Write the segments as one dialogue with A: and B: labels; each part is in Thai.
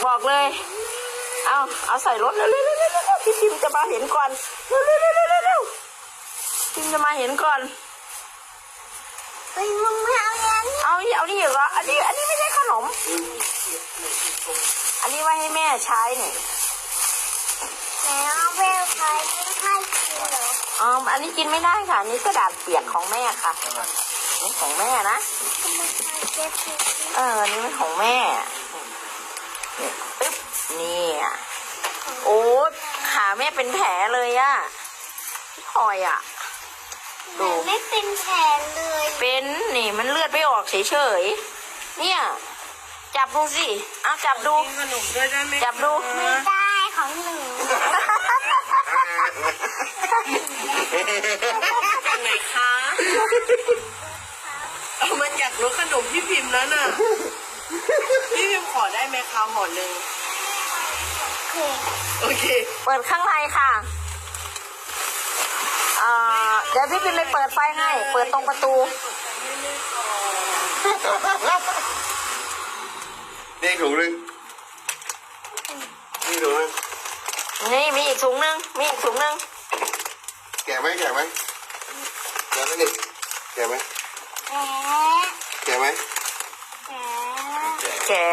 A: บอกเลยเอาใส่รถเร็วๆพี่พิมจะมาเห็นก่อนเร็วพิมจะมาเห็นก่อน
B: ไปมึงไม่เอาอย่างนี้
A: เอานี่เหรออันนี้ไม่ใช่ขนมอันนี้ไว้ให้แม่ใช้เนี่ย
B: แล้วเวลใครไม่กินเหรอ
A: อันนี้กินไม่ได้ค่ะนี่กระดาษเปียกของแม่ค่ะนี่ของแม่นะอันนี้เป็นของแม่นี่ปึ๊บนี่โอ้ขาแม่เป็นแผลเลยอะพี่พลอยอะ
B: ดูไม่เป็นแผลเลย
A: เป็นนี่มันเลือดไม่ออกเฉยๆเนี่ยจับดูสิเอาจับดู
C: ขนมด้วยได้ไหม
A: จับดู
B: ไม่ได้ของหนู
C: จากไหนคะเอามาจากรถขนมพี่พิมพ์แล้วน่ะพี่พิมพ์ขอได้ไหมคะห่อหนึ่งโอเค
A: เปิดข้างในค่ะเดี๋ยวพี่พิมพ์ไปเปิดไฟให้เปิดตรงประตู
D: นี่ถุงนึงนี่ถุงนึง
A: นี่มีอีกถุงนึง
D: แก่ไหมแก่ไหมแก่ไหมนี่แก่ไหมแก่ไหม
A: แกะ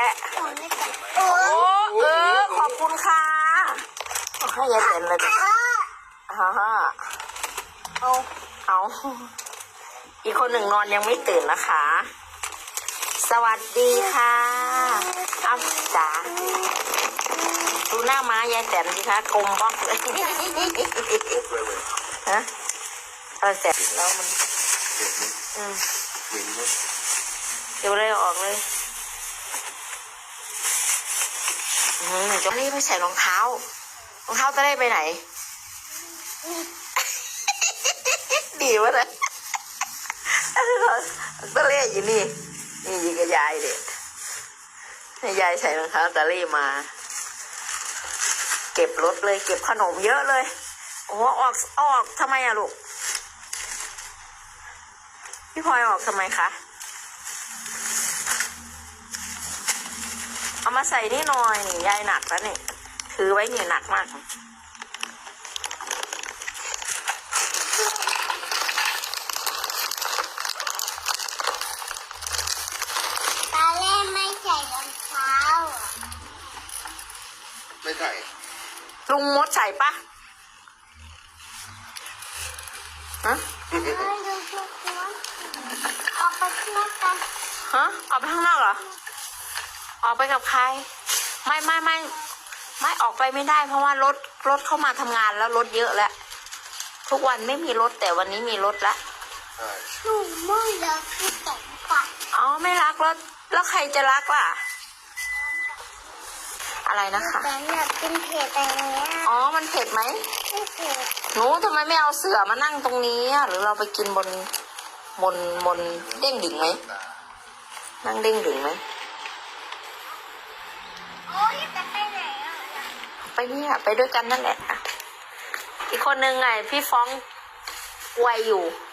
A: ขอบคุณค่ะให้ยายเต็นเลยเอาอีกคนหนึ่งนอนยังไม่ตื่นนะคะ สวัสดีค่ะจ๋าดูหน้าม้ายายแตนสิคะกลมบ้องเลยฮะแสบแล้วมันเดี๋ยวเลยออกเลยจะรีบไปใส่รองเท้จะได้ไปไหนดีวะนะตะเล่อยู่นี่ยิงกับยายเด็กให้ยายใส่รองเท้าตะเล่มาเก็บรถเลยเก็บขนมเยอะเลยโอ้ออกทำไมอะลูกพี่พลอยออกทำไมคะเอามาใส่นี่หน่อยนี่ยายหนักแล้วนี่ถือไว้นี่หนักมาก
B: ตาเล่ไม่ใส่รองเท้า
D: ไม่ใส่
A: ลุงมดใส่ปะฮะ
B: ออกไปข้างนอกกัน
A: ฮะออกไปข้างนอกเหรอออกไปกับใครไม่ออกไปไม่ได้เพราะว่ารถเข้ามาทำงานแล้วรถเยอะแล้วทุกวันไม่มีรถแต่วันนี้มีรถละ
B: หนูไม่รักพี่ต๋องค่ะ
A: ไม่รักแล้วใครจะรักล่ะอะไรนะคะ
B: แต่อยากกินเผ็ดอะไรเงี้ย
A: มันเผ็ดไหม
B: ไม่เผ็ด
A: หนูทำไมไม่เอาเสื่อมานั่งตรงนี้หรือเราไปกินบนเด้งดึงไหมนั่งเด้งดึงไหม
B: โอ้ยจะไปไหน
A: ไปเนี่ยไปด้วยกันนั่นแหละอีกคนนึงไงพี่ฟ้องวัยอยู่